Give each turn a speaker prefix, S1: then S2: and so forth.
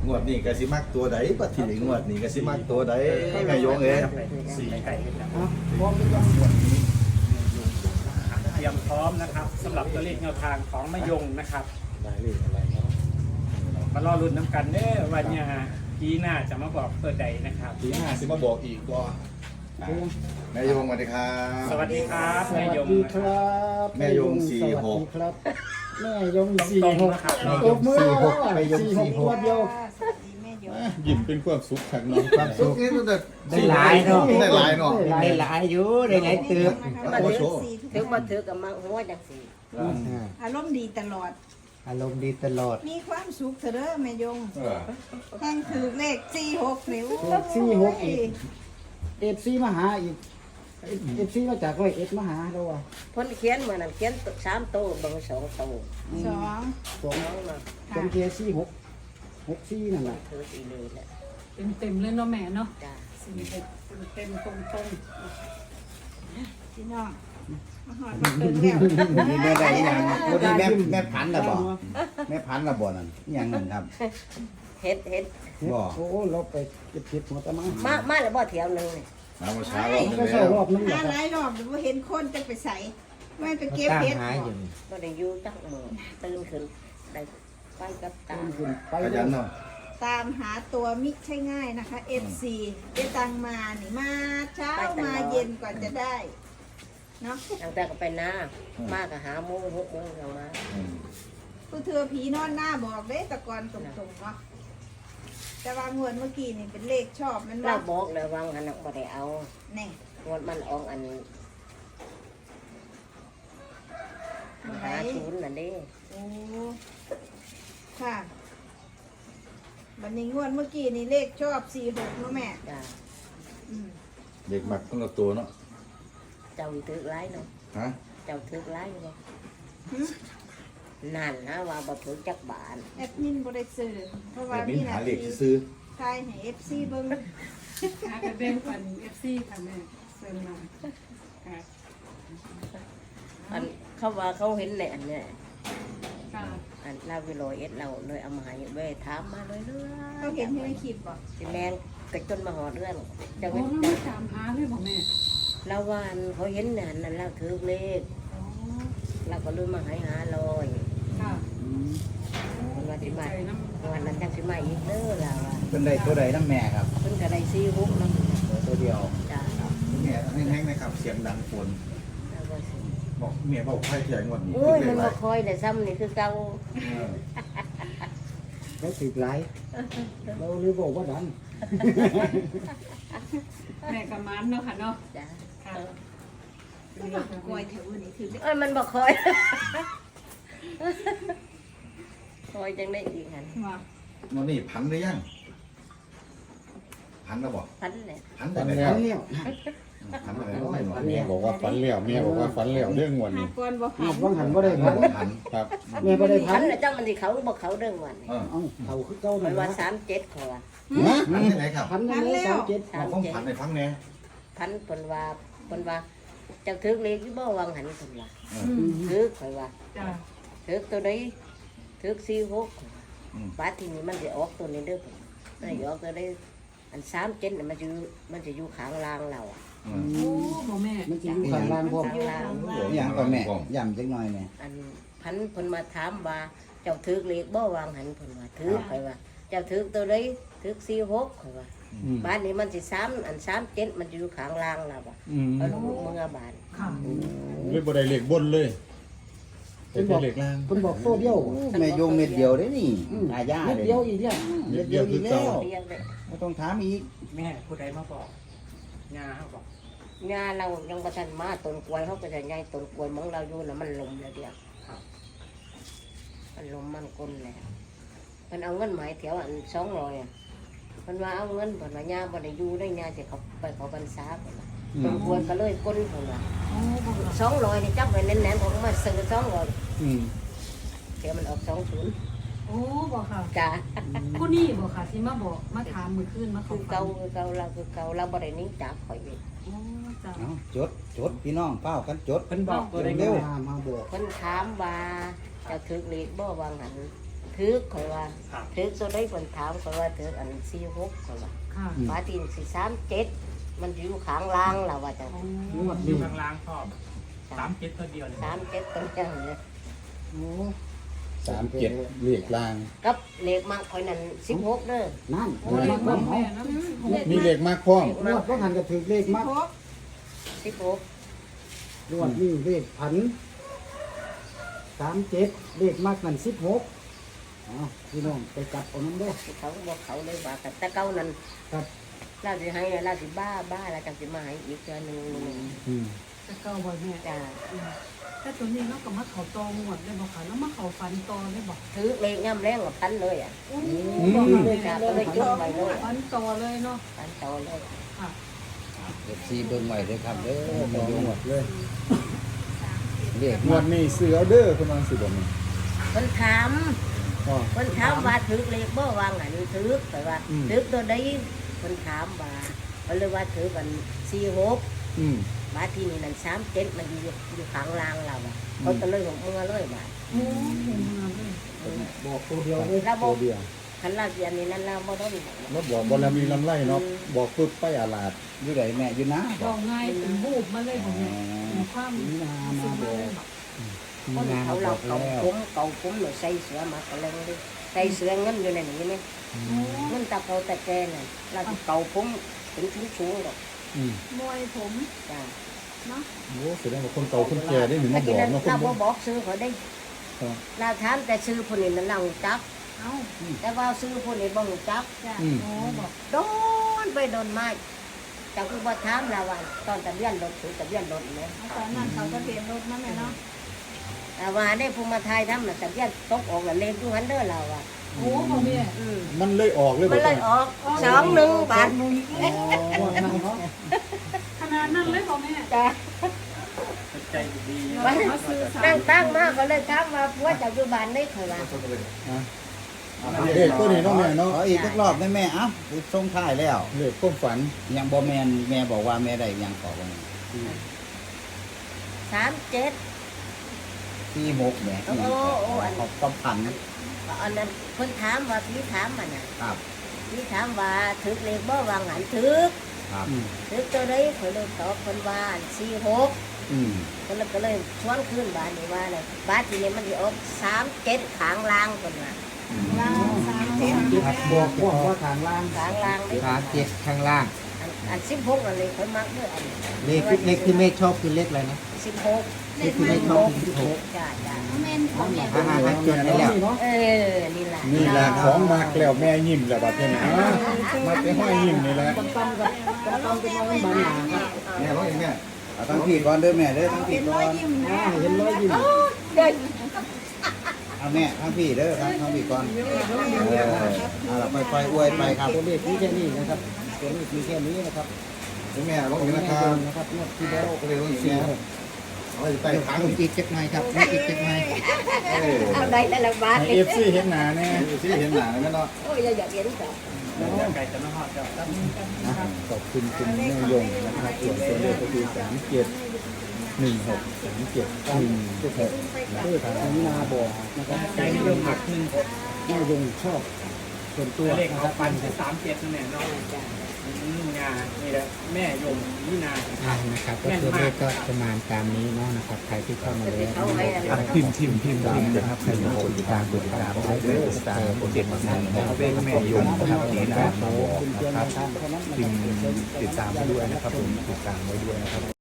S1: วดนี้ก็สิมักตัวใดปฏิงวดนี้ก็สิมักตัวใดแม่ยงเอ้ย
S2: สี่ไก่
S3: พร้อมหรือยัง
S2: เตรียมพร้อมนะครับสำหรับตัวเลขแนวทางของมะยงนะครับ
S1: ได้เลขอะไรเนาะ
S2: มารอลุ้นน้ำกันเด้อวันนี้ปีหน้าจะมาบอกตัวใดนะครับ
S1: ทีหน้าสิมาบอกอีกบ่แม่ยงสวัสดีครับ
S2: สวัสดีครับแม่ยง
S3: ดี
S2: นะ
S3: ค
S2: ครับ
S3: รับ
S1: แม่ยง46
S3: สวัสดีครับแม่ยง
S2: ต
S3: สี่
S2: รง
S3: หก
S2: ๆนะครับ
S3: ตบมือ
S1: แม่ยง
S3: สี่หกตัวเดียว
S4: สวัสดีแม่ยง
S5: ยิ้มเป็นความสุขขังน้อง
S1: ความสุขนี่ตั้งแต่
S6: ได้หลายเนาะ
S1: ได้หลายเนาะ
S6: ได้หลายอยู่ได้หลายเติบ
S4: มา
S1: โอ้
S4: ถึ
S1: โห
S4: งสี่
S7: ถึงมาถือกับมาหัวจังสี่
S4: อารมณ์ดีตลอด
S6: อารมณ์ดีตลอด
S4: มีความสุขเถอะเด้อแม่ยง
S1: เออ
S4: แห่งถือเลข46นิ้ว
S3: สี่หกอีกเอฟซีมาหาอีกเอฟซีมาจากร้อยเอ็ดมาหาเราอ่ะ
S7: เพิ่นเขียนเหมือนนั้นเขียน3โตวเบิ่ง2โตว
S4: สอง
S3: สอง
S7: น้องมา
S3: จนเทียสี่หกหกสี่นั่นแหละ
S7: ถืออีเลยแหละ
S8: เต็มเลยเนาะแม่เนาะ
S7: จ้า
S8: เต็มตรง
S4: พี่น้องมาหอดมาเติมแล้ว
S6: นี่แม่ได้อีหยังวันนี้แม่พันธุ์ละบ่แม่พันธุ์ละบ่นั่นอีหยังนั่นครับ
S7: เฮ็ด
S6: บ่
S3: โอ้เราไปเก็บเห็ดหัวตะมา
S7: มาแล้วบ่เที่ยวหนึงนี่
S1: มาเมื่อเช้ารอบนึง
S3: ก็
S1: แล้
S3: ใส่
S1: ว
S3: รอบนึงแหละ
S4: หา
S3: ครับ
S4: หลายรอบหรือว่าเห็นคนจะไปใส่ไม่ไปเก็บ
S6: ตั้ง
S4: เห็ด
S6: หายอยู่
S7: บ่ได้อยู่จักมื้อตื่นขึ้นได้ไปกับตา
S3: ขึ้นไป
S1: ขยันเนาะ
S4: ตามหาตัวมิใช่ง่ายนะคะ FC เจตังมานี่มาเช้ามาเย็นกว่าจะได้เนาะ
S7: ตั้งแต่ก็ไปนามาก็หาโมง6โมงจังมา
S1: อืม
S4: ผู้เธอผีนอนหน้าบอกเด้แตะกอนตรงๆเนาะแต่ว่างวดเมื่อกี้นี่เป็นเลขชอบมัน
S7: เรา
S4: ว่า
S7: บอกเลยว่างั้นน่ะบ่ได้เอา
S4: แน่
S7: งวดมันออกอัน
S4: มาไหน
S7: หาศูนย์นั่นเด้
S4: โอ้ค่ะบันนี้งวดเมื่อกี้นี่เลขชอบ46เนาะแม่
S7: จ้า
S4: อืม
S1: เด็กมักต้องกับตัวเนาะ
S7: เจ้าถือหลายเนาะ
S1: ฮะ
S7: เจ้าถือหลายอยู่บ่
S4: หึ
S7: นั่นนะว่าบ่ถือจักบาท
S4: แอดมินบ่ได้ซื้อเพราะว่า
S1: แบบนี้
S4: มีห
S1: หา
S4: น้า
S1: เลข
S4: ที่
S1: ซื้อ
S4: ทายให้ FC เบิ่ง
S8: ๆหากระเบนฟัน FC ค่ะแม่เซ็นมาค่ะ
S7: อันเขาว่าเขาเห็นในอันเนี้ย
S8: ค่ะ
S7: อันลาวิโรเอ็ดเราเลยเอามาให้เว้ยถามมาเลยเรื่อย
S4: เขาเห็นอยู่ในคลิปบ่
S7: สิแมงกระจนมาหอดเรื่องจะ
S8: โอ้
S7: เป็น
S8: น้องไม่ตามหาเลยบอกแม่
S7: เราวานเขาเห็นนั่นนั่นเราถือเลข
S8: อ๋อ
S7: เราก็เลยมาให้หาลอย
S8: ค่ะ
S7: มันว่า
S8: ติ
S7: สิ
S8: ด
S7: มา
S8: ใจน้ำ
S7: วันนั้นจังสิมาอีกเด้อเราว่า
S6: เป็นได้ตัวใดน้ำแม่ครับ
S7: เพิ่นก็ได้ซีฮุกน้
S6: ตัวเดียว
S7: ำจ้า
S1: แม่แห้งๆนะครับเสียงดังฝน
S7: แล้วก็สิ
S1: บอกเมียบอกใครเถียงวันนี้
S7: โอ้ย
S1: เล
S7: มัน
S1: ขอะไร
S7: บ่คอยได้ซ้ำนี่คือเก่า
S1: เออ
S3: เราติดหลายเราเลยบอกว่าดัน
S8: แม่กับมันเนาะค่ะเนาะ
S7: จ้า
S8: ค่ะ
S4: กล้วยแถวนี้คือ
S7: เอ้ยมันบ่คอย คอยจังได้อีกหัน
S8: ว่า
S1: วันนี้พันหรือยังพันแล้วบอก
S7: พันเลย
S1: พันแต่ไหน
S3: อันเนี้ย
S1: พันแต่ไหนน้อยหน่อย
S5: แม่บอกว่าฝันแล้วแม่บอกว่าฝันแล้วเรื่องวัน
S4: หา
S5: นี้
S4: ก่อนบ่
S3: หา
S4: หัน
S3: บางหันบ่ได้พัน
S1: พัน
S5: ครับ
S3: แม่บ่ได้พั
S7: พั
S3: น
S7: นน่ะจังมันสิเขาบ่เขาเรื่องวันนี้
S1: เออ
S3: เอ้าเขาคือเก่า
S7: มั
S3: นั่
S7: น
S3: น
S7: ว่า
S3: ละ
S7: 37เขาว่า
S1: พันที่ไหนครับ
S3: พันนั่นเลย37
S1: เอาของพันในฟังแน่
S7: พันเพิ่นว่าเจ้าถือเลขอยู่บ่วางหันเพิ่นว่า
S1: เออ
S7: ถือข่อยว่า
S8: จ้า
S7: ถือตัวใดถือ46
S1: อืม
S7: บาดทีนี้มันสิออกตัวนี้เด้อเพิ่นมันสิออกตัวได้อัน37น่ะมันจะอยู่ข้างล่างเราอะ
S1: เออ
S8: โอ้บ่แม่
S3: มันจะอยู่ข้างล่างพร้อม
S7: ข้างล่าง
S6: อีหยังก็แม่ย่ำจักหน่อยแม่
S7: อันพันเพิ่นมาถามว่าเจ้าถือเลขบ่วางหันเพิ่นว่าถือข่อยว่าเจ้าถือตัวใดถือ46ข่อยว่า
S6: อืม
S7: บ้านนี้มันสิ3อัน37มันจะอยู่ข้างล่างเราอะ
S5: อืม
S7: เอาลูกมึงเอาบ้าน
S8: ค่ะ
S5: เลยบ่ได้เลขบนเลยเป็นเลขล่าง
S3: เพิ่นบอกตัวเดียว
S6: แม่โยงเม็ดเดียวได้นี่ตายา
S3: เม็ด
S6: เลย
S3: เดียวอีกเนี่ย
S6: เม็ดเดียวอีกแล้ว
S7: เรียกเลย
S6: ไม่ต้องถามอีก
S2: แม่ผู้ใดมาบอกงาเขาบอก
S7: งานเรายังบ่ทันมาต้นกล้วยเขาก็จะใหญ่ต้นกล้วยมองเราอยู่น่ะมันลมแล้วเดียว
S2: ครับ
S7: มันลมมันก้นแล้วมันเอาเงินหมายแถวอัน200อ่ะมันว่าเอาเงินเพิ่นว่าย่าบ่ได้อยู่ได้ย่าสิเขาไปเขาพรรษาเพิ่นว่าต้นกล้วยก็เลยก้นเพิ่นว่า
S8: โอ้บ่ค่ะ
S7: 200นี่จับไว้แน่นๆผมมาซื้อ200
S6: อืม
S7: เดี๋ยวมันออก20
S8: โอ้บ่ค่ะ
S7: จ้า
S8: ผู้นี้บ่ค่ะที่มาบอกมาถามมื้อคืนมา
S7: คือ
S8: เก่า
S7: เก่าเราบ่ได้หนี้จากข่อยเว้ย
S8: โอ้จ้า
S6: เอาจดพี่น้องเป้ากันจด
S2: เพิ่นบอกตัวใด
S6: เร็ว
S3: มาบอก
S7: เพิ่นถามว่าเจะถึกเลขบ่วางหันถือข่อยว่า
S2: ครับ
S7: ถือตัวได้คนถามข่อยว่าถืออัน46ข่อยว่า
S8: ค่ะ
S7: ฟ้าตีนสิ37มันอยู่ข้างล่างล่ะว่าจัง
S3: งวด
S2: อยู่
S3: นี้
S2: ข้างล่างพ่อ37ตัวเดียวเลย
S7: 37ตัวจังเลย
S3: โอ้
S5: 37เลขล่าง
S7: กับเลขมักข่อยนั่น16เด้อ
S3: นั่น
S8: โอ้ย
S3: เลขมัก
S8: แม่
S3: เนาะ
S8: นะ
S5: มีเลขมากพร้อม
S3: งวดก็หันก็ถือเลขมัก
S7: 16
S3: งวดนี้เลขพัน37เลขมักนั่น16อ๋อพี่น้องไปจับเอานั้นเด้อ
S7: เขาก็บอกเขาเลยว่าแต่เก่านั้น
S3: ครับ
S7: เราสิให้เราสิบ้าแล้วจังสิมาให้อีกเทื่อนึง
S5: อืม
S8: จะเก่าบ่แม่
S7: จ้า
S8: แต่ตัวนี้เราก็มาเขาตอหมดได้บ่ค่ะแล้วมาเขาฟันตอได้บ่
S7: ถือเลขย่ำแรงกับพันเลยอ่ะ จ้าก็เลยจดไว้เลย
S8: ฟันตอเลยเนาะ
S7: พันโตเลย
S8: ค่ะ
S6: FC เบิ่งไว้เด้อครับเด้อ
S5: มองหมดเลย
S6: เรียก
S5: งวดนี้ซื้อเอาเด้อเพิ่นว่าสิบ่แม่น
S7: คนถาม
S5: อ๋อ
S7: คนถามว่าถือเลขบ่วางหันถือแต่ว่า
S5: อืม
S7: ถือตัวใดคนถามว่าเขาเลยว่าถือกัน46
S5: อืม
S7: บาทที่นี่นั่น37มันอยู่ข้างล่างเราอ่ะเขาก็เลยของมือเลยบาท
S8: โอ้เห็นมาเลย
S3: บอกตัวเดียวเลย
S7: เราบ
S5: ตั
S7: อ
S5: ว
S7: ก
S5: เดียว
S7: คันเราเรียนนี่นั่นเราบ่ต้อง
S5: แล้วบอกบ่แล้วมีลำไรเนาะบอกปึ๊บไปอาลาด
S6: อยู่ไหนแม่อยู่นะ
S8: บอกง่ายเป็นบูบมาเลยบ่แม่เป็นความรู้สึกมาเลยบ่
S7: คนเขาเราเก่าผมหนูใส่เสือมาก็เลยดิใส่เสือเงินอยู่ในนี้ไหมเงินตะเกาตะแกน่ะเราเก่าผมถึงสูงหรอก
S5: อืม
S8: มวยผม
S7: จ้า
S8: เนาะ
S5: โอ้แสดงว่าคนเก่าคนแก่ได้หนึ่ง
S7: เมื่
S5: มา
S7: อบ กี้
S5: อก
S7: นั้น
S5: เนาะคน
S7: เรา
S5: บ่
S7: บอกซื้อเขาได้เราถามแต่ซื้อคนนี้นั่นเราจับ
S8: เอ้า
S7: แต่ว่าซื้อคนนี้บ่จับ
S8: จ้ะโอ้บอก
S7: โดนไปโดนไม้จังคือบ่ถามเราว่าตอนทะเบียนรถถือทะเบียนรถเนี่ย
S4: ตอนนั้นเขาทะเบียนรถมาแม่เนาะ
S7: แต่ว่าได้ภูมิไทยทำน่ะทะเบียนตกออกแล้วเลขอยู่หันเด้อเราอ่ะ
S8: โอ้บ่แม่
S5: มันเลยออกเลย
S7: มัน
S5: บ่
S7: เลยออก21 บาท
S3: งวดนั้นเนาะ
S8: ขนาดนั้นเลยบ่แม่
S7: จ้า
S2: ใจดี
S7: วันตั้งมาก็เลยถามว่าผัวเจ้าอยู่บ้านได้เคยว่า
S5: เลขตัวนี้เนาะแม่เนาะ
S6: ขออีกสักรอบได้แม่เอ้าส่งท้ายแล้ว
S5: เลขความฝัน
S6: ยังบ่แม่นแม่บอกว่าแม่ได้ยังขอว่า
S7: 37
S6: 46แม่ยังขอความพัน
S7: อันนั้นคนถามว่าพี่ถามมันน่ะ
S6: ครับ
S7: พี่ถามว่าถึกเลขบ่วางหันถึก
S6: ครับ
S7: ถึกตัวใดข่อยเลยตอบคนว่า46
S6: อืม
S7: คนละก็เลยชวนขึ้นบ้านนี่ว่าเลยบ้านที่นี่มันสิออก37ข้างล่างคนว่า
S4: ล่าง37
S3: บอกว่าทางล่าง
S7: ข้างล่างนี่
S6: ขาเจ็ดข้างล่าง
S7: อัน16นั่นเลยข่อยมักเด้ออัน
S6: เลขที่แม่ชอบคือเลขอะไรนะ
S7: 16
S6: เลขที่แม่ชอบคือ16
S7: จ้าจ้า
S4: แม่นของแม่
S6: ฮ่าๆๆจดได้แล้ว
S3: เนาะ
S7: นี่ล่ะ
S5: นี่แหละของมากแล้วแม่ยิ้มแล้วบัดนี้นะมาไปห้อยยิ้มนี่แหละ
S3: ตั้มกับตั้มเป็นวันบานหนาครับ
S1: แม่ร้องเองแม่
S6: เอาทั้งพี่ก่อนเด้อแม่เด้อทั้งพี่
S4: เป็น
S6: ก่
S4: ร้
S6: อ
S4: อย
S6: น
S4: ยิ้มนะ
S3: เห็นร้อยยิ้ม
S6: เอาแม่ทั้งพี่เด้อทั้งพี่ก่อนเอาล่ะค่อยๆอวยไปครับ
S3: ตัวเลขมีแค่นี้นะครับตัวเลขมีแค่นี้นะครับ
S1: แม่ร้องเองนะค
S3: แม่
S1: รับ
S3: นะครับงวดที่แล้ว
S1: ก็เลยร้องสี่เอาไป
S6: ไป
S1: ขั
S6: ขั
S1: ง
S6: งอีกจักหน่อยครับอีกจักหน่อย
S7: เอาได้แต่ละบาท
S5: ให้ FC เห็นหน้าแน่
S1: ที่เห็นหนาแล้วเนาะ
S7: โอ้ยอยากเห็นจ้ะ
S2: ไก่จะมาหอดจ้ะ
S5: ขอบคุณคุณแม่ยงนะครับส่วนตัวเลขก็คือ37163716
S3: เพื่อทางนินาบอกนะครับ
S2: ไก่นิยมหักหนึ่ง
S3: แม่ยงชอบส่วนตัว
S2: เลข
S3: นะค
S2: เขา
S3: รับ
S2: ปันคือ37นั่นแหละเนาะงานี่แหละแม่ยมนี่นา
S9: นะครับก็ตัวเลขก็ประมาณตามนี้เนาะนะครับใครที่เข้ามาแล้ว
S7: เขาให้อะไร
S9: พิมพ์นะครับใครอยากกดติดตามให้ด้วยกดติดตามนะครับเลขแม่ยมนะครับนี่นะมาบอกนะครับพิมพ์ติดตามไว้ด้วยนะครับผมติดตามไว้ด้วยนะครับ